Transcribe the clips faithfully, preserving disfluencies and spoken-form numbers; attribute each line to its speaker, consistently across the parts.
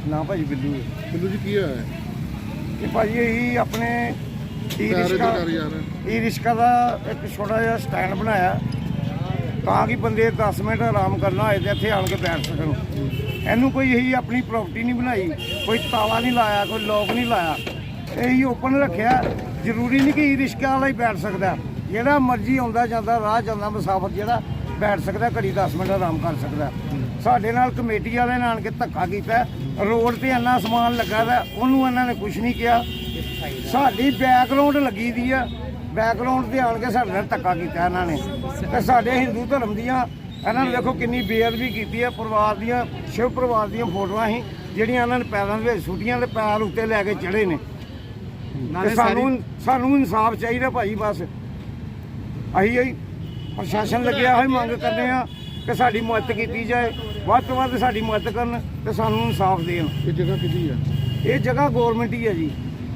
Speaker 1: ਨਾ ਭਾਜੀ ਬਿੱਲੂ
Speaker 2: ਬਿੱਲੂ ਜੀ ਕੀ ਹੋਇਆ
Speaker 1: ਇਹ ਭਾਜੀ ਇਹੀ ਆਪਣੇ ਈ
Speaker 2: ਪੈਰ
Speaker 1: ਰਿਸ਼ਕਾ
Speaker 2: ਕਰ ਯਾਰ
Speaker 1: ਈ ਰਿਸ਼ਕਾ ਦਾ ਇੱਕ ਛੋਟਾ ਜਿਹਾ ਸਟੈਂਡ ਬਣਾਇਆ ਤਾਂ ਕਿ ਬੰਦੇ ਦਸ ਮਿੰਟ ਆਰਾਮ ਕਰਨਾ ਹੋਏ ਤੇ ਇੱਥੇ ਆਣ ਕੇ ਬੈਠ ਸਕਣ। ਇਹਨੂੰ ਕੋਈ ਇਹੀ ਆਪਣੀ ਪ੍ਰਾਪਰਟੀ ਨਹੀਂ ਬਣਾਈ, ਕੋਈ ਤਾਲਾ ਨਹੀਂ ਲਾਇਆ, ਕੋਈ ਲੋਕ ਨਹੀਂ ਲਾਇਆ, ਇਹੀ ਓਪਨ ਰੱਖਿਆ। ਜ਼ਰੂਰੀ ਨਹੀਂ ਕਿ ਈ ਰਿਸ਼ਕਾ ਵਾਲਾ ਹੀ ਬੈਠ ਸਕਦਾ, ਜਿਹੜਾ ਮਰਜ਼ੀ ਆਉਂਦਾ ਜਾਂਦਾ ਰਾਹ ਜਾਂਦਾ ਮੁਸਾਫਰ ਜਿਹੜਾ ਬੈਠ ਸਕਦਾ, ਘੜੀ ਦਸ ਮਿੰਟ ਆਰਾਮ ਕਰ ਸਕਦਾ। ਸਾਡੇ ਨਾਲ ਕਮੇਟੀ ਵਾਲਿਆਂ ਨੇ ਆਣ ਕੇ ਧੱਕਾ ਕੀਤਾ, ਰੋਡ ਤੇ ਇੰਨਾ ਸਮਾਨ ਲੱਗਾ ਦਾ ਉਹਨੂੰ ਇਹਨਾਂ ਨੇ ਕੁਝ ਨਹੀਂ ਕਿਹਾ। ਸਾਡੀ ਬੈਕਗਰਾਉਂਡ ਲੱਗੀ ਦੀ ਆ, ਬੈਕਗਰਾਉਂਡ ਤੇ ਆਣ ਕੇ ਸਾਡੇ ਨਾਲ ਧੱਕਾ ਕੀਤਾ ਇਹਨਾਂ ਨੇ। ਤੇ ਸਾਡੇ ਹਿੰਦੂ ਧਰਮ ਦੀਆਂ ਇਹਨਾਂ ਨੇ ਦੇਖੋ ਕਿੰਨੀ ਬੇਅਦਬੀ ਕੀਤੀ ਹੈ। ਪਰਿਵਾਰ ਦੀਆਂ ਸ਼ਿਵ ਪਰਿਵਾਰ ਦੀਆਂ ਫੋਟੋਆਂ ਸੀ ਜਿਹੜੀਆਂ ਇਹਨਾਂ ਨੇ ਪੈਰਾਂ ਦੇ ਵਿੱਚ ਸੁੱਟੀਆਂ ਤੇ ਪੈਰ ਉੱਤੇ ਲੈ ਕੇ ਚੜੇ ਨੇ। ਤੇ ਸਾਨੂੰ ਸਾਨੂੰ ਇਨਸਾਫ ਚਾਹੀਦਾ ਭਾਈ। ਬਸ ਅਸੀਂ ਹੀ ਪ੍ਰਸ਼ਾਸਨ ਲੱਗਿਆ ਹੋਇਆ ਮੰਗ ਕਰਦੇ ਆ ਕਿ ਸਾਡੀ ਮਦਦ ਕੀਤੀ ਜਾਏ, ਵੱਧ ਤੋਂ ਵੱਧ ਸਾਡੀ ਮਦਦ ਕਰਨ ਤੇ ਸਾਨੂੰ ਇਨਸਾਫ ਦੇਣ।
Speaker 2: ਇਹ ਜਗ੍ਹਾ ਕਿਹਦੀ ਆ?
Speaker 1: ਇਹ ਜਗ੍ਹਾ ਗੌਰਮੈਂਟ ਹੀ ਹੈ ਜੀ,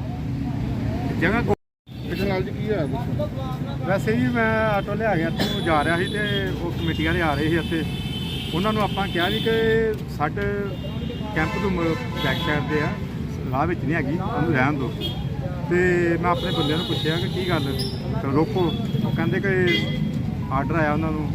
Speaker 1: ਜਗ੍ਹਾ।
Speaker 2: ਇਹਦੇ ਨਾਲ ਜੀ ਕੀ ਹੋਇਆ ਦੱਸੋ?
Speaker 3: ਵੈਸੇ ਜੀ ਮੈਂ ਆਟੋ ਲਿਆ ਗਿਆ ਇੱਥੋਂ ਜਾ ਰਿਹਾ ਸੀ ਤੇ ਉਹ ਕਮੇਟੀ ਵਾਲੇ ਆ ਰਹੇ ਸੀ ਇੱਥੇ। ਉਹਨਾਂ ਨੂੰ ਆਪਾਂ ਕਿਹਾ ਵੀ ਕਿ ਸਾਡੇ ਕੈਂਪ ਤੋਂ ਬੈਕ ਸਾਈਡ ਤੇ ਆ, ਰਾਹ ਵਿੱਚ ਨਹੀਂ ਹੈਗੀ, ਉਹਨੂੰ ਰਹਿਣ ਦਿਓ। ਤੇ ਮੈਂ ਆਪਣੇ ਬੰਦਿਆਂ ਨੂੰ ਪੁੱਛਿਆ ਕਿ ਕੀ ਗੱਲ, ਚਲੋ ਰੋਕੋ। ਉਹ ਕਹਿੰਦੇ ਕਿ ਆਰਡਰ ਆਇਆ ਉਹਨਾਂ ਨੂੰ,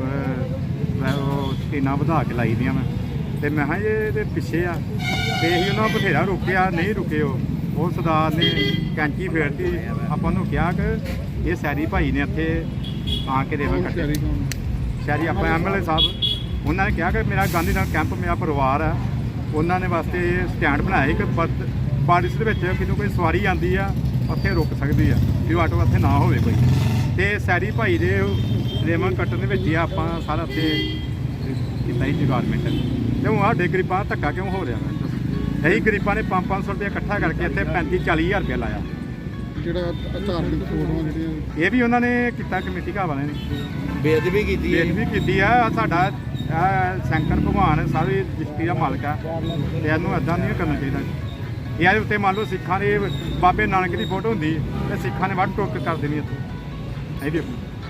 Speaker 3: ਉਹ ਟੀਨਾਂ ਵਧਾ ਕੇ ਲਾਈ ਦੀਆਂ ਮੈਂ। ਤੇ ਮੈਂ ਕਿਹਾ ਇਹ ਇਹਦੇ ਪਿੱਛੇ ਆ, ਤੇ ਅਸੀਂ ਉਹਨਾਂ ਨੂੰ ਬਥੇਰਾ ਰੋਕਿਆ, ਨਹੀਂ ਰੁਕੇ। ਉਹ ਉਹ ਸਰਦਾਰ ਨੇ ਕੈਂਚੀ ਫੇਰਤੀ। ਆਪਾਂ ਨੂੰ ਕਿਹਾ ਕਿ ਇਹ ਸੈਰੀ ਭਾਈ ਨੇ ਇੱਥੇ ਆ ਕੇ ਰੇਵਨ ਕੱਟੇ, ਸ਼ਹਿਰੀ ਆਪਾਂ ਐਮ ਐਲ ਏ ਸਾਹਿਬ। ਉਹਨਾਂ ਨੇ ਕਿਹਾ ਕਿ ਮੇਰਾ ਗਾਂਧੀ ਨਗਰ ਕੈਂਪ ਮੇਰਾ ਪਰਿਵਾਰ ਆ, ਉਹਨਾਂ ਨੇ ਵਾਸਤੇ ਸਟੈਂਡ ਬਣਾਇਆ ਸੀ ਕਿ ਬਾਰਿਸ਼ ਦੇ ਵਿੱਚ ਕਿਨੂੰ ਕੋਈ ਸਵਾਰੀ ਆਉਂਦੀ ਆ ਉੱਥੇ ਰੁਕ ਸਕਦੀ ਆ, ਵੀ ਆਟੋ ਇੱਥੇ ਨਾ ਹੋਵੇ ਕੋਈ। ਤੇ ਸੈਰੀ ਭਾਈ ਦੇ ਰੇਵਨ ਕੱਟਣ ਦੇ ਵਿੱਚ ਹੀ ਆਪਾਂ ਸਾਰਾ ਉੱਥੇ ਕੀਤਾ ਹੀ ਡਿਪਾਰਟਮੈਂਟ। ਤੇ ਹੁਣ ਸਾਡੇ ਗਰੀਬਾਂ ਧੱਕਾ ਕਿਉਂ ਹੋ ਰਿਹਾ? ਇਹੀ ਗਰੀਬਾਂ ਨੇ ਪੰਜ ਪੰਜ ਸੌ ਰੁਪਇਆ ਇਕੱਠਾ ਕਰਕੇ ਇੱਥੇ ਪੈਂਤੀ ਚਾਲੀ ਹਜ਼ਾਰ ਰੁਪਇਆ ਲਾਇਆ।
Speaker 2: ਜਿਹੜਾ ਧਾਰਮਿਕ ਫੋਟੋਆਂ ਜਿਹੜੀਆਂ
Speaker 3: ਇਹ ਵੀ ਉਹਨਾਂ ਨੇ ਕੀਤਾ, ਕਮੇਟੀ ਘਰ ਵਾਲਿਆਂ ਨੇ
Speaker 1: ਬੇਅਦਬੀ ਕੀਤੀ
Speaker 3: ਬੇਅਦਬੀ ਕੀਤੀ ਆ। ਸਾਡਾ ਸ਼ੰਕਰ ਭਗਵਾਨ ਸਾਰੀ ਦ੍ਰਿਸ਼ਟੀ ਦਾ ਮਾਲਕ ਆ, ਤੇ ਇਹਨੂੰ ਇੱਦਾਂ ਨਹੀਂ ਕਰਨਾ ਚਾਹੀਦਾ। ਇਹਦੇ ਉੱਤੇ ਮੰਨ ਲਓ ਸਿੱਖਾਂ ਦੇ ਬਾਬੇ ਨਾਨਕ ਦੀ ਫੋਟੋ ਹੁੰਦੀ ਤੇ ਸਿੱਖਾਂ ਨੇ ਵੱਢ ਟੋਕ ਕਰ ਦੇਣੀ ਇੱਥੇ। ਇਹ ਵੀ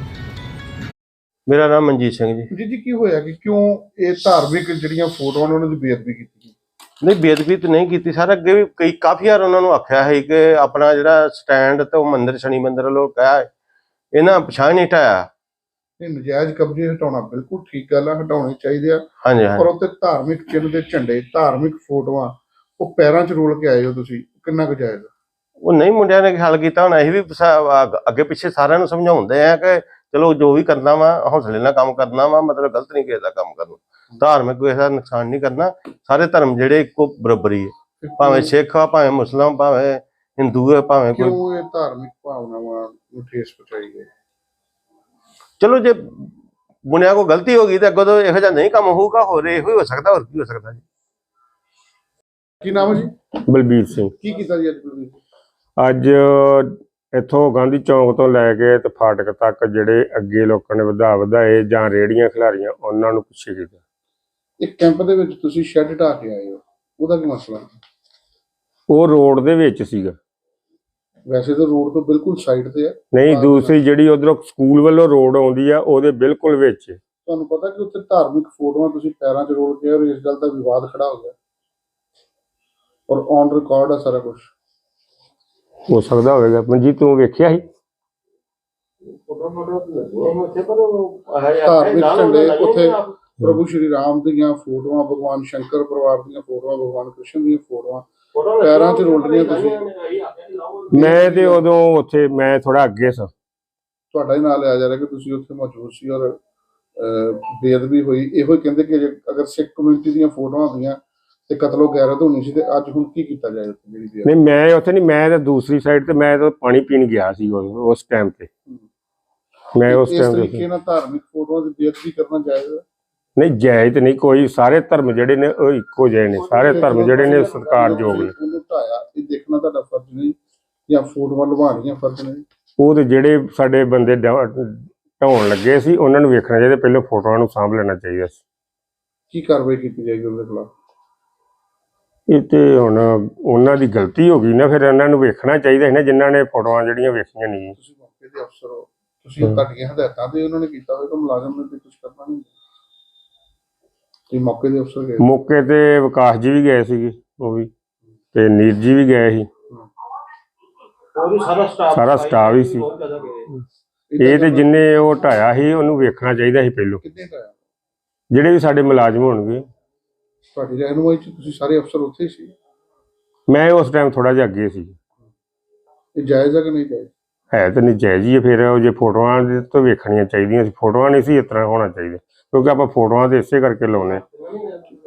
Speaker 4: ਮੇਰਾ ਨਾਮ ਮਨਜੀਤ ਸਿੰਘ ਜੀ।
Speaker 2: ਜੀ ਜੀ ਕੀ ਹੋਇਆ ਕਿ ਕਿਉਂ ਇਹ ਧਾਰਮਿਕ ਜਿਹੜੀਆਂ ਫੋਟੋਆਂ ਨੇ ਉਹਨਾਂ ਦੀ ਬੇਅਦਬੀ ਕੀਤੀ?
Speaker 4: ਨਹੀਂ, ਬੇਅਦਬੀ ਤਾਂ ਨਹੀਂ ਕੀਤੀ ਸਰ। ਅੱਗੇ ਵੀ ਕਈ ਕਾਫੀ ਵਾਰ ਉਹਨਾਂ ਨੂੰ ਆਖਿਆ ਹੈ ਕਿ ਆਪਣਾ ਜਿਹੜਾ ਸਟੈਂਡ ਤੇ ਉਹ ਮੰਦਿਰ ਸ਼ਨੀ ਮੰਦਿਰ ਵੱਲੋਂ ਕਿਹਾ ਇਹਨਾਂ ਪਛਾਣ ਨਹੀਂ ਹਟਾਇਆ।
Speaker 2: ਇਹ ਨਜਾਇਜ਼ ਕਬਜ਼ੇ ਹਟਾਉਣਾ ਬਿਲਕੁਲ ਠੀਕ ਗੱਲ ਆ, ਹਟਾਉਣੇ ਚਾਹੀਦੇ ਆ।
Speaker 4: ਹਾਂਜੀ
Speaker 2: ਪਰ ਉੱਤੇ ਧਾਰਮਿਕ ਚਿੰਨ੍ਹ ਦੇ ਝੰਡੇ, ਧਾਰਮਿਕ ਫੋਟੋਆਂ ਉਹ ਪੈਰਾਂ 'ਚ ਰੋਲ ਕੇ ਆਏ ਹੋ ਤੁਸੀਂ, ਕਿੰਨਾ ਕੁ ਜਾਇਜ਼?
Speaker 4: ਉਹ ਨਹੀਂ, ਮੁੰਡਿਆਂ ਨੇ ਹੱਲ ਕੀਤਾ ਹੁਣ। ਅਸੀਂ ਵੀ ਅੱਗੇ ਪਿੱਛੇ ਸਾਰਿਆਂ ਨੂੰ ਸਮਝਾਉਂਦੇ ਆ ਕਿ ਚਲੋ ਜੋ ਵੀ ਕਰਨਾ ਵਾ ਹੌਸਲੇ ਨਾਲ ਕੰਮ ਕਰਨਾ ਵਾ, ਮਤਲਬ ਗਲਤ ਨਹੀਂ ਕਿਸੇ ਦਾ ਕੰਮ ਕਰਨਾ। ਧਾਰਮਿਕ ਕਿਸੇ ਦਾ ਨੁਕਸਾਨ ਨਹੀਂ ਕਰਨਾ। ਸਾਰੇ ਧਰਮ ਜਿਹੜੇ ਇੱਕੋ ਬਰਾਬਰੀ ਹੈ, ਭਾਵੇਂ ਸਿੱਖ ਆ, ਭਾਵੇਂ ਮੁਸਲਮਾਨ, ਭਾਵੇਂ ਹਿੰਦੂ ਹੈ, ਭਾਵੇਂ ਕੋਈ।
Speaker 2: ਕਿਉਂ ਇਹ ਧਾਰਮਿਕ ਭਾਵਨਾਵਾਂ ਨੂੰ ਠੇਸ ਪਹੁੰਚਾਈ ਗਈ?
Speaker 4: ਚਲੋ ਜੇ ਮੁੰਡਿਆਂ ਕੋਲ ਗਲਤੀ ਹੋ ਗਈ ਤਾਂ ਅੱਗੋਂ ਤੋਂ ਇਹੋ ਜਿਹਾ ਨਹੀਂ ਕੰਮ ਹੋਊਗਾ, ਹੋਰ ਇਹੋ ਹੀ ਹੋ ਸਕਦਾ, ਹੋਰ ਕੀ ਹੋ ਸਕਦਾ ਜੀ।
Speaker 2: ਕੀ ਨਾਮ ਹੈ ਜੀ?
Speaker 5: ਬਲਬੀਰ ਸਿੰਘ।
Speaker 2: ਕੀ ਕੀਤਾ ਜੀ ਅੱਜ ਤੁਸੀਂ?
Speaker 5: ਅੱਜ ਇੱਥੋਂ ਗਾਂਧੀ ਚੌਂਕ ਤੋਂ ਲੈ ਕੇ ਤੇ ਫਾਟਕ ਤੱਕ ਜਿਹੜੇ ਅੱਗੇ ਲੋਕਾਂ ਨੇ ਵਧਾ ਵਧਾਏ ਜਾਂ ਰੇੜੀਆਂ ਖਿਲਾਰੀਆਂ ਉਹਨਾਂ ਨੂੰ ਪਿੱਛੇ ਕੀਤਾ।
Speaker 2: ਇੱਕ ਕੈਂਪ ਦੇ ਵਿੱਚ ਤੁਸੀਂ ਸ਼ੈੱਡ ਢਾ ਕੇ ਆਏ ਹੋ, ਉਹਦਾ ਕੀ ਮਸਲਾ?
Speaker 5: ਉਹ ਰੋਡ ਦੇ ਵਿੱਚ ਸੀਗਾ।
Speaker 2: ਵੈਸੇ ਤਾਂ ਰੋਡ ਤੋਂ ਬਿਲਕੁਲ ਸਾਈਡ ਤੇ ਹੈ।
Speaker 5: ਨਹੀਂ, ਦੂਸਰੀ ਜਿਹੜੀ ਉਧਰੋਂ ਸਕੂਲ ਵੱਲੋਂ ਰੋਡ ਆਉਂਦੀ ਆ ਉਹਦੇ ਬਿਲਕੁਲ ਵਿੱਚ।
Speaker 2: ਤੁਹਾਨੂੰ ਪਤਾ ਕਿ ਉੱਥੇ ਧਾਰਮਿਕ ਫੋਟੋਆਂ ਤੁਸੀਂ ਪੈਰਾਂ 'ਚ ਰੋਲ ਕੇ, ਔਰ ਇਸ ਗੱਲ ਦਾ ਵਿਵਾਦ ਖੜਾ ਹੋ ਗਿਆ, ਔਰ ਔਨ ਰਿਕਾਰਡ ਹੈ ਸਾਰਾ ਕੁਝ।
Speaker 5: ਹੋ ਸਕਦਾ ਹੋਵੇਗਾ। ਮਨਜੀਤ ਤੂੰ ਵੇਖਿਆ ਸੀ?
Speaker 2: ਧਾਰਮਿਕ ਝੰਡੇ ਉੱਥੇ ਪ੍ਰਭੂ ਸ਼੍ਰੀ ਰਾਮ ਦੀਆਂ ਫੋਟੋਆਂ, ਭਗਵਾਨ ਸ਼ੰਕਰ ਪਰਿਵਾਰ ਦੀਆਂ ਫੋਟੋਆਂ, ਭਗਵਾਨ ਕ੍ਰਿਸ਼ਨ ਦੀਆਂ ਫੋਟੋਆਂ ਪੈਰਾਂ 'ਚ ਰੋਲ ਰਹੀਆਂ ਤੁਸੀਂ।
Speaker 5: ਮੈਂ ਤੇ ਉਦੋਂ ਉੱਥੇ ਮੈਂ ਥੋੜਾ ਅੱਗੇ ਸਾਂ।
Speaker 2: ਤੁਹਾਡਾ ਹੀ ਨਾਂ ਲਿਆ ਜਾ ਰਿਹਾ ਕਿ ਤੁਸੀਂ ਉੱਥੇ ਮੌਜੂਦ ਸੀ ਔਰ ਬੇਅਦਬੀ ਹੋਈ। ਇਹੋ ਹੀ ਕਹਿੰਦੇ ਕਿ ਅਗਰ ਸਿੱਖ ਕਮਿਊਨਿਟੀ ਦੀਆਂ ਫੋਟੋਆਂ ਹੁੰਦੀਆਂ ਤੇ ਕਤਲੋ ਗੈਰਤ ਹੋਣੀ ਸੀ, ਤੇ ਅੱਜ ਹੁਣ ਕੀ ਕੀਤਾ ਜਾਏ ਉੱਥੇ? ਜਿਹੜੀ
Speaker 5: ਨਹੀਂ, ਮੈਂ ਉੱਥੇ ਨਹੀਂ, ਮੈਂ ਤਾਂ ਦੂਸਰੀ ਸਾਈਡ ਤੇ, ਮੈਂ ਤਾਂ ਪਾਣੀ ਪੀਣ ਗਿਆ ਸੀ ਉਸ ਟਾਈਮ ਤੇ। ਮੈਂ ਉਸ ਟਾਈਮ
Speaker 2: ਤਰੀਕੇ ਨਾਲ ਧਾਰਮਿਕ ਫੋਟੋਆਂ ਦੀ ਬੇਅਦਬੀ ਕਰਨਾ ਜਾਇਜ਼ ਹੈ?
Speaker 5: ਨਹੀਂ, ਜਾਇਜ਼ ਨਹੀਂ ਕੋਈ। ਸਾਰੇ ਧਰਮ ਜਿਹੜੇ ਨੇ ਉਹ ਇੱਕੋ ਜਿਹੇ ਨੇ, ਸਾਰੇ ਧਰਮ ਜਿਹੜੇ ਨੇ ਸਤਿਕਾਰਯੋਗ ਨੇ।
Speaker 2: ਉਹਨੂੰ ਢਾਇਆ, ਇਹ ਦੇਖਣਾ ਤੁਹਾਡਾ ਫਰਜ਼ ਨਹੀਂ ਜਾਂ ਫੋਟੋਆਂ ਲਵਾਉਣੀਆਂ ਫਰਜ਼ ਨਹੀਂ?
Speaker 5: ਉਹ ਤੇ ਜਿਹੜੇ ਸਾਡੇ ਬੰਦੇ ਢਾਉਣ ਲੱਗੇ ਸੀ ਉਹਨਾਂ ਨੂੰ ਵੇਖਣਾ ਚਾਹੀਦਾ, ਪਹਿਲਾਂ ਫੋਟੋਆਂ ਨੂੰ ਸਾਂਭ ਲੈਣਾ ਚਾਹੀਦਾ ਸੀ।
Speaker 2: ਕੀ ਕਾਰਵਾਈ ਕੀਤੀ ਜਾਏਗੀ ਉਹਦੇ ਖਿਲਾਫ?
Speaker 5: ਇਹ ਤੇ ਹੁਣ ਉਹਨਾਂ ਦੀ ਗਲਤੀ ਹੋ ਗਈ ਨਾ, ਫਿਰ ਇਹਨਾਂ ਨੂੰ ਵੇਖਣਾ ਚਾਹੀਦਾ ਸੀ ਨਾ ਜਿਨ੍ਹਾਂ ਨੇ ਫੋਟੋਆਂ ਜਿਹੜੀਆਂ ਵੇਖੀਆਂ ਨਹੀਂ।
Speaker 2: ਤੁਸੀਂ ਮੌਕੇ ਦੇ ਅਫਸਰ ਹੋ, ਤੁਸੀਂ ਤੁਹਾਡੀਆਂ ਹਦਾਇਤਾਂ ਤੇ ਉਹਨਾਂ ਨੇ ਕੀਤਾ ਹੋਏਗਾ, ਮੁਲਾਜ਼ਮ ਨੇ ਤੇ ਕੁਝ ਕਰਨਾ ਨਹੀਂ। ਤੁਸੀਂ ਮੌਕੇ ਦੇ ਅਫਸਰ ਗਏ?
Speaker 5: ਮੌਕੇ ਤੇ ਵਿਕਾਸ ਜੀ ਵੀ ਗਏ ਸੀਗੇ। ਉਹ ਵੀ ਤੇ ਨੀਰ ਜੀ ਵੀ ਗਏ ਸੀ,
Speaker 4: ਸਾਰਾ ਸਟਾਫ
Speaker 5: ਸਾਰਾ ਸਟਾਫ ਹੀ ਸੀ। ਇਹ ਤੇ ਜਿੰਨੇ ਉਹ ਢਾਇਆ ਸੀ ਉਹਨੂੰ ਵੇਖਣਾ ਚਾਹੀਦਾ ਸੀ ਪਹਿਲੋਂ,
Speaker 2: ਕਿੰਨੇ ਟਾਈਮ
Speaker 5: ਜਿਹੜੇ ਵੀ ਸਾਡੇ ਮੁਲਾਜ਼ਮ ਹੋਣਗੇ।
Speaker 2: ਤੁਹਾਡੀ ਰਹਿਨੁਮਾਈ ਚ ਤੁਸੀਂ ਸਾਰੇ ਅਫਸਰ ਉੱਥੇ ਹੀ ਸੀ?
Speaker 5: ਮੈਂ ਉਸ ਟਾਈਮ ਥੋੜਾ ਜਿਹਾ ਅੱਗੇ ਸੀ।
Speaker 2: ਇਹ ਜਾਇਜ਼ ਹੈ ਕਿ ਨਹੀਂ ਜਾਇਜ਼?
Speaker 5: ਹੈ ਤਾਂ ਨਜਾਇਜ਼ ਹੀ ਹੈ, ਫਿਰ ਉਹ ਜੇ ਫੋਟੋਆਂ ਦੇ ਤੋਂ ਵੇਖਣੀਆਂ ਚਾਹੀਦੀਆਂ ਸੀ, ਫੋਟੋਆਂ ਨਹੀਂ ਸੀ ਇਸ ਤਰ੍ਹਾਂ ਹੋਣਾ ਚਾਹੀਦਾ, ਕਿਉਂਕਿ ਆਪਾਂ ਫੋਟੋਆਂ ਤੇ ਇਸੇ ਕਰਕੇ ਲਾਉਂਦੇ ਹਾਂ।